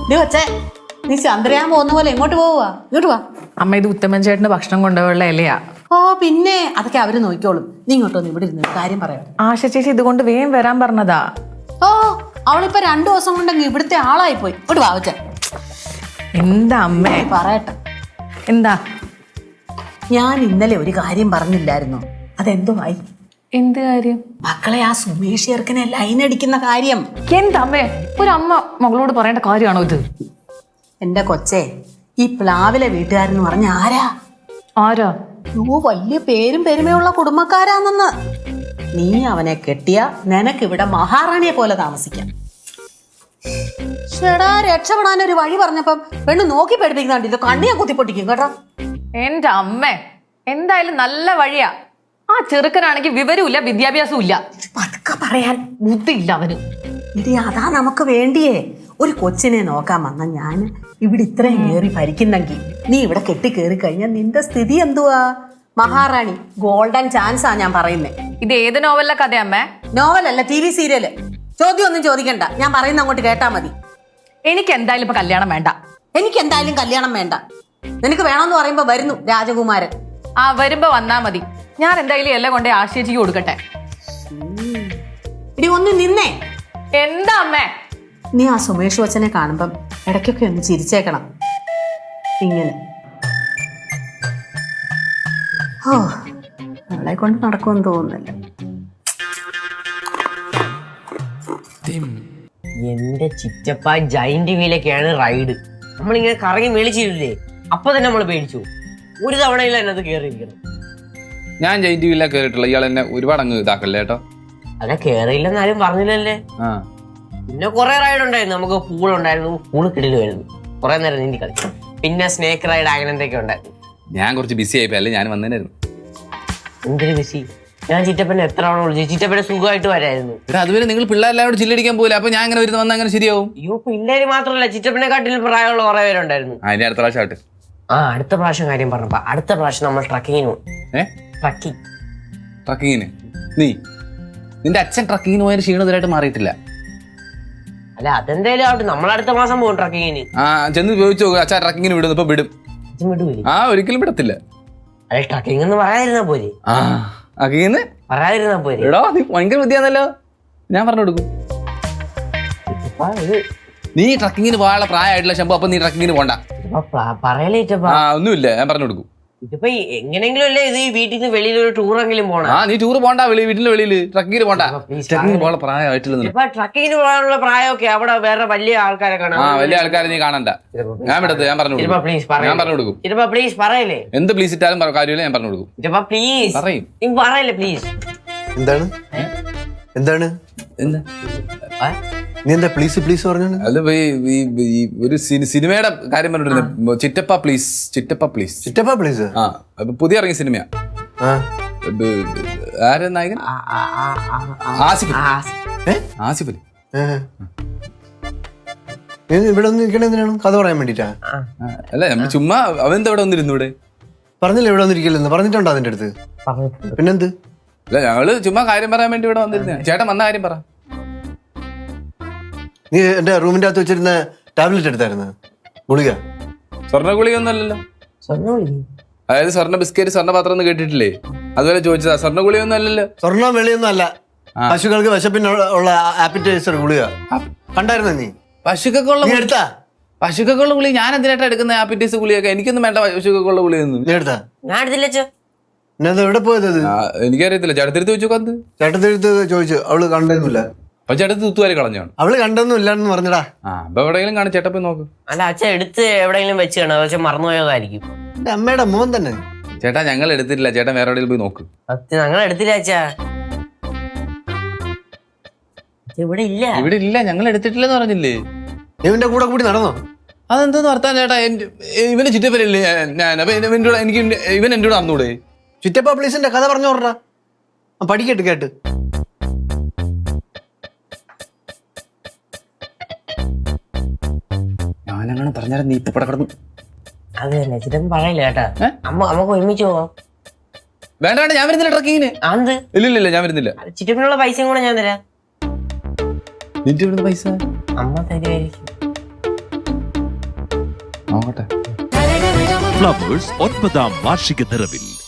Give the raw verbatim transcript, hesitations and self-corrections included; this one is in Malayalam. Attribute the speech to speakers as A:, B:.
A: കൊച്ചേ, നീ ചന്ദ്രയാൻ പോകുന്ന പോലെ എങ്ങോട്ട് പോവുക? ഇങ്ങോട്ട് വാ.
B: അമ്മ ഇത് ഉത്തമൻ ചേട്ടന് ഭക്ഷണം കൊണ്ടുപോയുള്ള ഇലയാ.
A: ഓ പിന്നെ അതൊക്കെ അവര് നോക്കിക്കോളും. നീ ഇങ്ങോട്ടൊന്ന് ഇവിടെ ഇരുന്ന് കാര്യം പറയാം.
B: ആശ ചേച്ചി ഇതുകൊണ്ട് വേഗം വരാൻ പറഞ്ഞതാ.
A: ഓ അവളിപ്പോ രണ്ടു ദിവസം കൊണ്ടെങ്കിൽ ഇവിടുത്തെ ആളായി പോയി. ഇങ്ങോട്ട് വാ കൊച്ചേ.
B: എന്താ അമ്മേ?
A: പറയട്ടെ.
B: എന്താ?
A: ഞാൻ ഇന്നലെ ഒരു കാര്യം പറഞ്ഞില്ലായിരുന്നോ? അതെന്തോ ആയി?
B: എന്ത് കാര്യം?
A: മക്കളെ ആ സുമേഷ് ചേർക്കനെ ലൈൻ അടിക്കുന്ന കാര്യം.
B: എന്താ അമ്മേ? ഒരു അമ്മ മകളോട് പറയേണ്ട കാര്യമാണോ ഇത്?
A: എന്റെ കൊച്ചേ, ഈ പ്ലാവിലെ വീട്ടുകാരെന്ന് പറഞ്ഞ ആരാ?
B: ആരാ?
A: ഓ വലിയ പേരും പെരുമയുള്ള കുടുംബക്കാരാണെന്ന്. നീ അവനെ കെട്ടിയ നിനക്കിവിടെ മഹാറാണിയെ പോലെ താമസിക്കാം. ചേടാ രക്ഷപ്പെടാൻ ഒരു വഴി പറഞ്ഞപ്പം പെണ്ണ് നോക്കി പഠിപ്പിക്കുന്നുണ്ട്. ഇത് കണ്ണിയെ കുത്തിപ്പൊട്ടിക്കും കേട്ടോ.
B: എന്റെ അമ്മേ, എന്തായാലും നല്ല വഴിയാ. ആ ചെറുക്കനാണെങ്കിൽ വിവരമില്ല, വിദ്യാഭ്യാസവും ഇല്ല.
A: പതുക്കെ പറയാൻ
B: ബുദ്ധിയില്ല അവന്.
A: ഇടി അതാ നമുക്ക് വേണ്ടിയേ. ഒരു കൊച്ചിനെ നോക്കാൻ വന്ന ഞാൻ ഇവിടെ ഇത്രയും കയറി ഭരിക്കുന്നെങ്കിൽ നീ ഇവിടെ കെട്ടി കയറി കഴിഞ്ഞാൽ നിന്റെ സ്ഥിതി എന്തുവാ? മഹാറാണി ഗോൾഡൻ ചാൻസാ ഞാൻ പറയുന്നേ.
B: ഇത് ഏത് നോവലിലെ കഥ അമ്മേ?
A: നോവലല്ല, ടി വി സീരിയല്. ചോദ്യം ഒന്നും ചോദിക്കണ്ട, ഞാൻ പറയുന്ന അങ്ങോട്ട് കേട്ടാ മതി.
B: എനിക്ക് എന്തായാലും ഇപ്പൊ കല്യാണം വേണ്ട.
A: എനിക്ക് എന്തായാലും കല്യാണം വേണ്ട. നിനക്ക് വേണമെന്ന് പറയുമ്പോ വരുന്നു രാജകുമാരൻ.
B: ആ വരുമ്പോ വന്നാ മതി. ഞാൻ എന്തായാലും എല്ലാം കൊണ്ടേ ആശേച്ചിക്ക് കൊടുക്കട്ടെ.
A: ഇടി ഒന്ന് നിന്നേ.
B: എന്താ അമ്മേ?
A: നീ ആ സുമേഷ് വച്ചനെ കാണുമ്പം ഇടയ്ക്കൊക്കെ ഒന്ന് ചിരിച്ചേക്കണം. ഇങ്ങനെ. ഓ അവളെ കൊണ്ട് നടക്കുമെന്ന് തോന്നുന്നില്ല.
C: എന്റെ ചിറ്റപ്പ ജൈന്റ് വീലൊക്കെയാണ് റൈഡ്. നമ്മളിങ്ങനെ കറങ്ങി മേളിച്ചില്ലേ, അപ്പൊ തന്നെ നമ്മൾ പേടിച്ചു. ഒരു തവണയിൽ അതിനകത്ത് കയറിയിരിക്കണം.
D: ഞാൻ ജൈന്റ് വീലിലാ കയറിയിട്ടുള്ള. ഇയാൾ എന്നെ ഒരുപാട് അങ്ങ് ഇതാക്കല്ലേ കേട്ടോ.
C: അല്ല കയറിയില്ലെന്ന് ആരും പറഞ്ഞില്ലല്ലേ. പിന്നെ കുറെ റൈഡ് ഉണ്ടായിരുന്നു. നമുക്ക് പൂൾ ഉണ്ടായിരുന്നു, പൂള് കിടലുമായിരുന്നു. കുറെ നേരം നീന്തി കളിച്ചു. പിന്നെ സ്നേക്ക് റൈഡ് അങ്ങനത്തെയൊക്കെ ഉണ്ടായിരുന്നു.
D: ഞാൻ കുറച്ച് ബിസി ആയിപ്പോ അല്ലേ ഞാൻ വന്നേനായിരുന്നു.
C: എന്തൊരു ബിസി. ഞാൻ ചിറ്റപ്പനെ എത്ര തവണ വിളിച്ചു. ചിറ്റപ്പനെ സുഖമായിട്ട് വരായിരുന്നു.
D: അതുവരെ നിങ്ങൾ പിള്ളേരെല്ലാം ചില്ലടിക്കാൻ പോകില്ല. അപ്പൊ ഞാൻ അങ്ങനെ വരുന്ന വന്നാൽ അങ്ങനെ ശരിയാവും.
C: അയ്യോ പിള്ളേര് മാത്രമല്ല, ചിറ്റപ്പനെ കാട്ടിലും പ്രായമുള്ള കുറെ പേരുണ്ടായിരുന്നു.
D: അതിന്റെ അടുത്ത പ്രാവശ്യം ആട്ടെ.
C: ആ അടുത്ത പ്രാവശ്യം കാര്യം പറഞ്ഞപ്പോ അടുത്ത പ്രാവശ്യം നമ്മൾ ട്രക്കിങ്ങിന് പോകും.
D: ഏ
C: ട്രക്കിങ്
D: ട്രക്കിങ്ങിന്? നീ നിന്റെ അച്ഛൻ ട്രക്കിങ്ങിന് പോയ ക്ഷീണത്തിലായിട്ട് മാറിയിട്ടില്ല.
C: അല്ല അതെന്തായാലും ആവട്ടെ, നമ്മൾ അടുത്ത മാസം പോകും ട്രക്കിങ്ങിന്.
D: ആ ചെന്ന് ചോദിച്ചു നോക്കുക. അച്ഛാ ട്രക്കിങ്ങിന് വിടുന്നു. ഇപ്പൊ വിടും.
C: വിടൂലേ?
D: ആ ഒരിക്കലും വിടത്തില്ല.
C: അല്ല ട്രക്കിംഗ് എന്ന് പറയാതിരുന്നാ പോരെ.
D: ആ ട്രക്കിങ്ങിന്
C: പറയാതിരുന്നാ പോരെ.
D: എടോ നീ ഭയങ്കര ബുദ്ധിയാന്നല്ലോ. ഞാൻ പറഞ്ഞു കൊടുക്കും. നീ ട്രക്കിങ്ങിന് പോകാനുള്ള പ്രായമായിട്ടില്ല ശമ്പു. അപ്പൊ നീ ട്രക്കിങ്ങിന് പോണ്ട.
C: പറയലേ
D: ആ ഒന്നുമില്ല, ഞാൻ പറഞ്ഞു കൊടുക്കും.
C: ഇതിപ്പോ എങ്ങനെങ്കിലും അല്ലേ ഇത് ഈ വീട്ടിൽ നിന്ന് വെളിയിൽ ഒരു ടൂറെങ്കിലും പോണം.
D: ആ നീ ടൂർ പോണ്ട. വെളി വീട്ടിന്റെ വെളിയിൽ ട്രക്കിങ്ങിന് പോണ്ട. ട്രക്കിങ്ങിന് പോകാനുള്ള പ്രായമായിട്ടില്ല.
C: ട്രക്കിങ്ങിന് പോകാനുള്ള പ്രായമൊക്കെ അവിടെ വേറെ വലിയ ആൾക്കാരെ കാണാം.
D: ആ വലിയ ആൾക്കാരെ നീ കാണണ്ട. ഞാൻ വിടത്ത്. ഞാൻ പറഞ്ഞു കൊടുക്കും. ഞാൻ പറഞ്ഞു കൊടുക്കും.
C: ഇതിപ്പോ പ്ലീസ് പറയല്ലേ.
D: എന്ത് പ്ലീസ് ഇട്ടാലും കാര്യമില്ല, ഞാൻ പറഞ്ഞു കൊടുക്കും.
C: ഇതിപ്പോ പ്ലീസ്
D: പറയും.
C: നീ പറയല്ലേ പ്ലീസ്.
E: എന്താണ് എന്താണ്
D: എന്താ
E: നീ എന്താ പ്ലീസ് പ്ലീസ് പറഞ്ഞു?
D: അല്ല ഒരു സിനിമയുടെ കാര്യം പറഞ്ഞിരുന്നു. ചിറ്റപ്പ പ്ലീസ്. ചിറ്റപ്പ പ്ലീസ്.
E: ചിറ്റപ്പ പ്ലീസ്.
D: ആ പുതിയ ഇറങ്ങിയ സിനിമയാ. ആരാ നായകൻ? ആസിഫ്. ആസിഫ്
E: നീ ഇവിടെ ഒന്ന് നിൽക്കണ എന്തിനാണ്? കഥ പറയാൻ വേണ്ടിട്ടാ?
D: അല്ല നമ്മൾ ചുമ്മാ അവനെന്താ ഇവിടെ വന്നിരുന്നു? ഇവിടെ പറഞ്ഞില്ല
E: ഇവിടെ വന്നിരിക്കില്ലെന്ന് പറഞ്ഞിട്ടുണ്ടോ അതിന്റെ അടുത്ത്? പിന്നെന്ത്?
D: അല്ല ഞങ്ങള് ചുമ്മാ കാര്യം പറയാൻ വേണ്ടി ഇവിടെ വന്നിരുന്ന. ചേട്ടൻ വന്ന കാര്യം പറ.
E: നീ എന്റെ റൂമിന്റെ അകത്ത് വെച്ചിരുന്ന ടാബ്ലറ്റ് എടുത്തായിരുന്നു? ഗുളിക?
D: സ്വർണ്ണ ഗുളിക ഒന്നും അല്ലല്ലോ. അതായത് സ്വർണ്ണ ബിസ്ക്കറ്റ് സ്വർണ്ണ പാത്രം ഒന്നും കേട്ടിട്ടില്ലേ? അതുപോലെ ചോദിച്ചതാ. സ്വർണ്ണ ഗുളിക ഒന്നും അല്ലല്ലോ.
E: സ്വർണ്ണം വെളിയൊന്നും അല്ല. പശുക്കൾക്ക് വിശപ്പിനുള്ള ആപ്പിറ്റൈസർ ഗുളിക കണ്ടായിരുന്നോ നീ?
D: പശുക്കൊക്കെ
E: എടുത്താ?
D: പശുക്കൊക്കെയുള്ള ഗുളിക ഞാൻ എന്തിനായിട്ടാ എടുക്കുന്ന? ആപ്പിറ്റൈസ് ഗുളിയൊക്കെ എനിക്കൊന്നും വേണ്ട. പശുക്കൊക്കെയുള്ള ഗുളിയൊന്നും
E: നീ എടുത്താ?
C: ഞാൻ എടുത്തില്ല.
E: എവിടെ പോയത്?
D: എനിക്കറിയത്തില്ല. ചേട്ടത്തിരുത്ത് ചോദിച്ചു. കന്ത്
E: ചേട്ടത്തിരുത്ത് ചോദിച്ചു. അവള് കണ്ടൊന്നുമില്ല.
D: അപ്പൊ ചേട്ടത്ത് തുത്തുവാരി കളഞ്ഞാണ്.
E: അവള് കണ്ടൊന്നും ഇല്ലാന്ന് പറഞ്ഞടാ.
D: ആ അപ്പൊ എവിടെയെങ്കിലും കാണും. ചേട്ടപ്പോ നോക്ക്.
C: അല്ല അച്ഛൻ എടുത്ത് എവിടെയെങ്കിലും വെച്ച് കാണും. പക്ഷെ മറന്നുപോയതായിരിക്കും.
E: എന്റെ അമ്മയുടെ മോൻ തന്നെ.
D: ചേട്ടാ ഞങ്ങൾ എടുത്തിട്ടില്ല. ചേട്ടൻ വേറെ എവിടെയെങ്കിലും പോയി നോക്ക്.
C: ഞങ്ങൾ എടുത്തില്ല അച്ഛാ. ഇവിടെ ഇല്ല.
D: ഇവിടെ ഇല്ല. ഞങ്ങൾ എടുത്തിട്ടില്ലെന്ന് പറഞ്ഞില്ലേ?
E: ഇവന്റെ കൂടെ കൂടി നടന്നോ?
D: അതെന്താന്ന് വർത്താൻ ചേട്ടാ? ഇവന്റെ ചിറ്റപ്പനല്ലേ ഞാൻ. അപ്പൊ എനിക്ക് ഇവൻ എന്റെ കൂടെ നടന്നൂടെ?
E: ചിറ്റപ്പ പ്ലീസിന്റെ കഥ പറഞ്ഞു പറഞ്ഞ പഠിക്കട്ട് കേട്ട്.
D: ഞാനങ്ങനെ പറഞ്ഞാലും നീ ഇപ്പൊ കിടന്നു.
C: അത് തന്നെ ചിറ്റപ്പൻ പറയില്ല കേട്ടാ. അമ്മ നമുക്ക് ഒരുമിച്ച് പോവാം.
D: വേണ്ട വേണ്ട, ഞാൻ വരുന്നില്ല ട്രക്കിങ്ങിന്. ഇല്ല ഇല്ല ഇല്ല, ഞാൻ വരുന്നില്ല.
C: ചിറ്റപ്പനുള്ള പൈസയും കൂടെ ഞാൻ തരാം.
D: നിന്റെ പൈസ
C: അമ്മ തരുമായിരിക്കും.
D: നോക്കട്ടെ.
F: ഫ്ലവേഴ്സ് ഒൻപതാം വാർഷിക നിറവിൽ